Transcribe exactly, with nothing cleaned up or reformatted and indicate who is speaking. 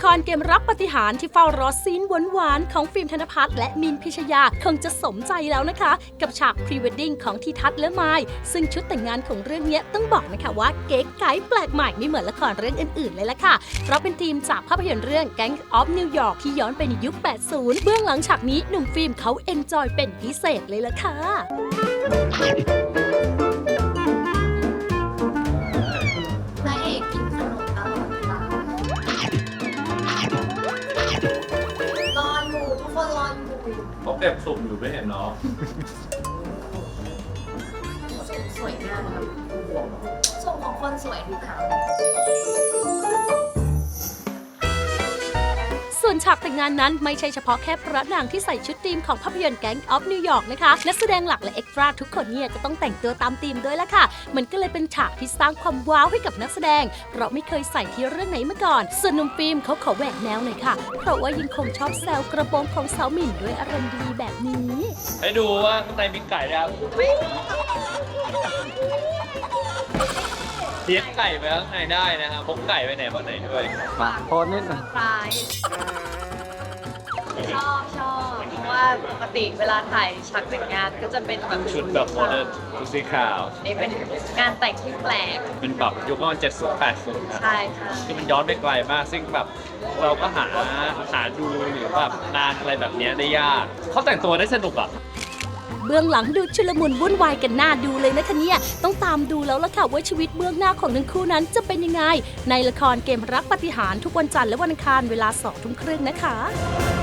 Speaker 1: ครเกมรักปาฏิหาริย์ที่เฝ้ารอซีนหวานๆของฟิล์มธนภัทรและมินพิชยาคงจะสมใจแล้วนะคะ กับฉากพรีเวดดิ้งของทีทัศน์และไมล์ซึ่งชุดแต่งงานของเรื่องนี้ต้องบอกนะคะว่าเก๋ไก๋แปลกใหม่ไม่เหมือนละครเรื่องอื่นๆเลยล่ะค่ะเพราะเป็นทีมจากภาพยนตร์เรื่อง Gang of New York ที่ย้อนไปในยุค แปดสิบ เบื้องหลังฉากนี้หนุ่มฟิล์มเขาเอนจอยเป็นพิเศษเลยล่ะค่ะ
Speaker 2: พระเอกกินขนมตลอดเวลารออยู่ทุกคนรออยู่
Speaker 3: เขาเก็บสุ่มอยู่ไม่เห็นเนาะ
Speaker 2: สวยงามครับส่งของคนสวยดูค่ะ
Speaker 1: ส่วนฉากแต่งงานนั้นไม่ใช่เฉพาะแค่พระนางที่ใส่ชุดธีมของภาพยนตร์ Gang of New York นะคะนักแสดงหลักและเอ็กซ์ตร้าทุกคนเนี่ยก็ต้องแต่งตัวตามธีมด้วยละค่ะมันก็เลยเป็นฉากที่สร้างความว้าวให้กับนักแสดงเพราะไม่เคยใส่ที่เรื่องไหนมาก่อนส่วนหนุ่มฟิล์มเขาขอแหวกแนวหน่อยค่ะเพราะว่ายังคงชอบแซวกระโปรงของสาวหมิ่นด้วยอารมณ์ดีแบบนี้
Speaker 3: ให้ดูว่าข้างในมีไก่แล้วเลี้ยงไก่ไปข้างในได้นะครับพกไก่ไปไหนมาไหนด้วย
Speaker 4: มาโพสนิดหน่อย
Speaker 2: ปลายชอบชอบเพราะว่าปกติเวลาถ่ายฉากแต่งงานก็จะเป็นแบบ
Speaker 3: ชุดแบบโมเดิร์นชุดสีขาว
Speaker 2: นี่เป็นงานแต่งที่แปลก
Speaker 3: เป็นแบบยุคประมาณเจ็ดสิบแปดสิบ
Speaker 2: ใช่ค่ะ
Speaker 3: คือมันย้อนไปไกลมากซึ่งแบบเราก็หาหาดูหรือแบบงานอะไรแบบนี้ได้ยากเขาแต่งตัวได้สนุกอ่ะ
Speaker 1: เบื้องหลังดูชุลมุนวุ่นวายกันหน้าดูเลยนะคะเนี่ยต้องตามดูแล้วล่ะค่ะว่าชีวิตเบื้องหน้าของทั้งคู่นั้นจะเป็นยังไงในละครเกมรักปาฏิหาริย์ทุกวันจันทร์และวันอังคารเวลาสองทุ่มครึ่งนะคะ